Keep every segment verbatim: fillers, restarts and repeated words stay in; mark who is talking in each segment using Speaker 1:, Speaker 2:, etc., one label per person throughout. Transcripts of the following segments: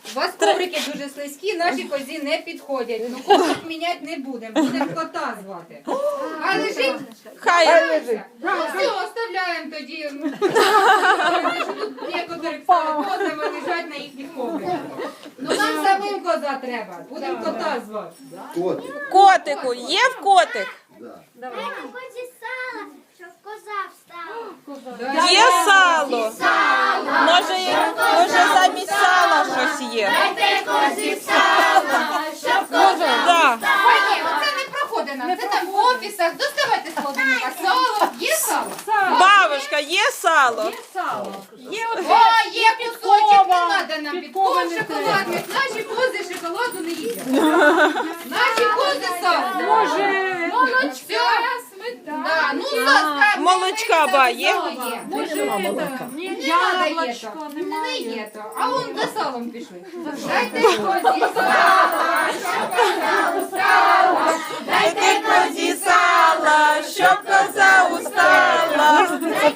Speaker 1: У вас коврики дуже слизькі, наші козі не підходять. Ну коврик міняти не будемо, будемо кота звати. А лежить?
Speaker 2: Хай лежить.
Speaker 1: Ну все, оставляємо тоді. Тут некоторих стали козами лежать на їхніх ковриках. Ну нам самим коза треба, будемо кота звати.
Speaker 3: Котик.
Speaker 2: котику. Є в котик?
Speaker 3: Да.
Speaker 4: Ході сала, щоб коза встала.
Speaker 2: Є сало. Може, є- може замість сала щось є.
Speaker 4: Дайте козі сала, щоб коза
Speaker 2: Да.
Speaker 1: Ой, ні, оце не проходить нам. Це там в офісах. Доставайте з холодильника. Сало. Є сало?
Speaker 2: Бабушка, є сало?
Speaker 1: О, є кусочок, не треба нам підков шоколадних. Наші кози шоколаду не їдять. Наші кози сало. Може, молочко, сметана. Да, ну, ласка,
Speaker 2: Молочка, ба, є?
Speaker 1: Може, не треба є то. Не є то. А вон за салом пішли. Дайте козі сало, щоб коза устала.
Speaker 2: Дайте козі сала, щоб коза устала.
Speaker 4: щоб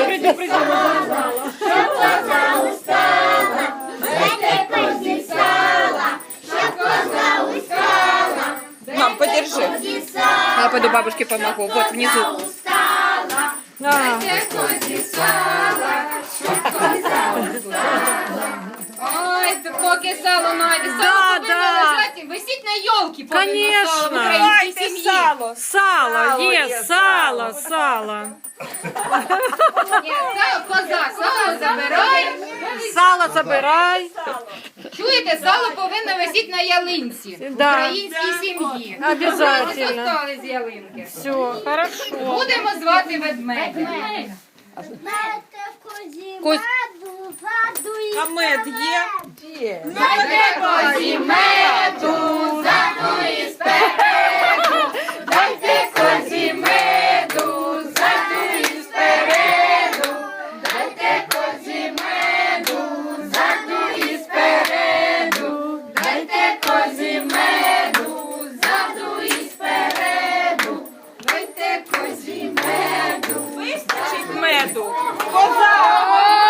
Speaker 4: коза устала. Дайте козі сала, щоб коза устала.
Speaker 2: Мам, подержи.
Speaker 4: Козі сала,
Speaker 2: Я пойду бабушке помогу. Вот внизу.
Speaker 4: устала.
Speaker 2: А,
Speaker 1: Дайте козі сала, щоб коза устала. Ой, то поки сало найде. Сало
Speaker 5: Да,
Speaker 1: повинно
Speaker 5: да.
Speaker 1: лежати, висіть на йолки, повинно сало в
Speaker 5: Конечно.
Speaker 1: українській
Speaker 2: Дайте
Speaker 1: сім'ї.
Speaker 2: сало.
Speaker 5: Сало,
Speaker 2: Сало
Speaker 5: є,
Speaker 2: є,
Speaker 5: сало, сало.
Speaker 1: Ні, сало, коза, сало забирає.
Speaker 5: Сало забирай.
Speaker 1: Чуєте, сало повинно висіти на ялинці в
Speaker 5: Да.
Speaker 1: українській сім'ї.
Speaker 5: Обязательно.
Speaker 1: Остали з ялинки.
Speaker 5: Все, хорошо.
Speaker 1: Будемо звати ведмедя.
Speaker 4: Дайте козі
Speaker 2: Коз-
Speaker 4: меду, воду і
Speaker 2: А мед є?
Speaker 1: Дайте козі меду, заду і спереду. Дайте козі меду, заду і спереду. Дайте козі меду, заду і спереду. Дайте козі меду, заду і спереду. Дайте козі меду.
Speaker 2: Вистачить меду. Коза!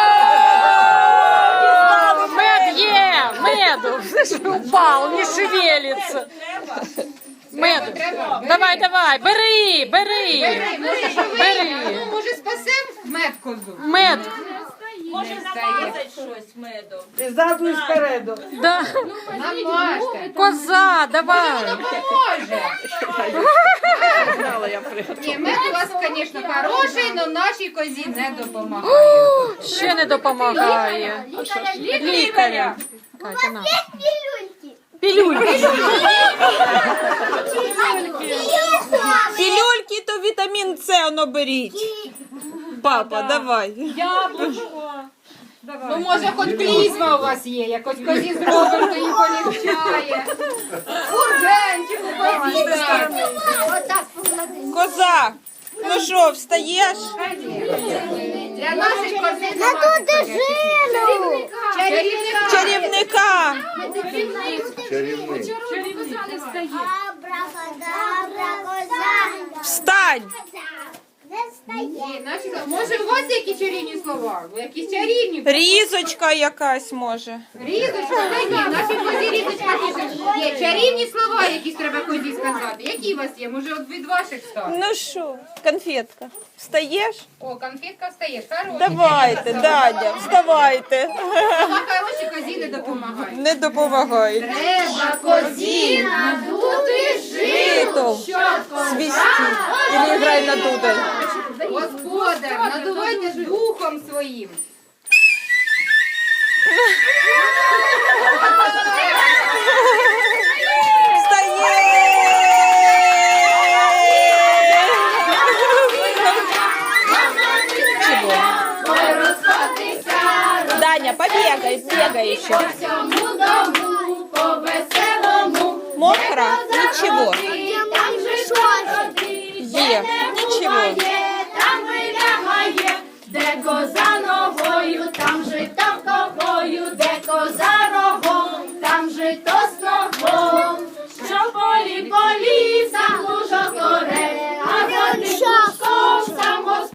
Speaker 5: Мед є, меду. Упал, не шевелится. Меду. Давай, давай, бери, бери.
Speaker 1: Може, що ви,
Speaker 5: Бери.
Speaker 1: ну, може, спасем мед козу?
Speaker 5: Мед.
Speaker 1: Може, намазати
Speaker 2: щось меду.
Speaker 6: Ззаду і спереду.
Speaker 5: Да.
Speaker 1: Намажте.
Speaker 5: Коза, давай.
Speaker 1: Поможе. Ні, мед у вас, звісно, хороший, але нашій козі не допомагає.
Speaker 5: Ще не допомагає. Лікаря. Катя, на.
Speaker 4: пілюльки.
Speaker 5: Пілюльки.
Speaker 2: Пілюльки, то вітамін С воно беріть. Папа, давай.
Speaker 1: Ну, може, хоч клізма у вас є, якось козі зробимо, то їм полегчає. Ургенчик у козі.
Speaker 4: Отак поклади.
Speaker 2: Коза, ну що, встаєш?
Speaker 1: Для наших козей
Speaker 4: На ту дежину.
Speaker 1: чарівника.
Speaker 2: Чарівника.
Speaker 3: Чарівний.
Speaker 4: Абракадабра, коза.
Speaker 2: Встань.
Speaker 4: Не встає.
Speaker 1: Ні, наші- Може, у вас які чарівні слова? Ви якісь чарівні?
Speaker 2: Різочка якась може.
Speaker 1: Різочка, та ні, наші козі різочка пише. Є чарівні слова, якісь треба козі сказати. Які у вас є? Може, от від ваших став?
Speaker 2: Ну що, конфетка, встаєш?
Speaker 1: О, конфетка встає. Хороші.
Speaker 2: Давайте, Дадя, вставайте.
Speaker 1: А хороші козі не допомагають.
Speaker 2: Не допомагай.
Speaker 1: Треба козі надути
Speaker 2: Жито. Свісті. Или грай на дудель.
Speaker 1: Господар, надувайте духом своїм.
Speaker 2: Даня, побегай, бегай еще.
Speaker 1: По всьому дому, по веселому.
Speaker 2: Мокро? Ничего.
Speaker 4: Там же що?
Speaker 2: Е, ничего.
Speaker 1: Там вилягає, де коза ногою, там же там ковою, де коза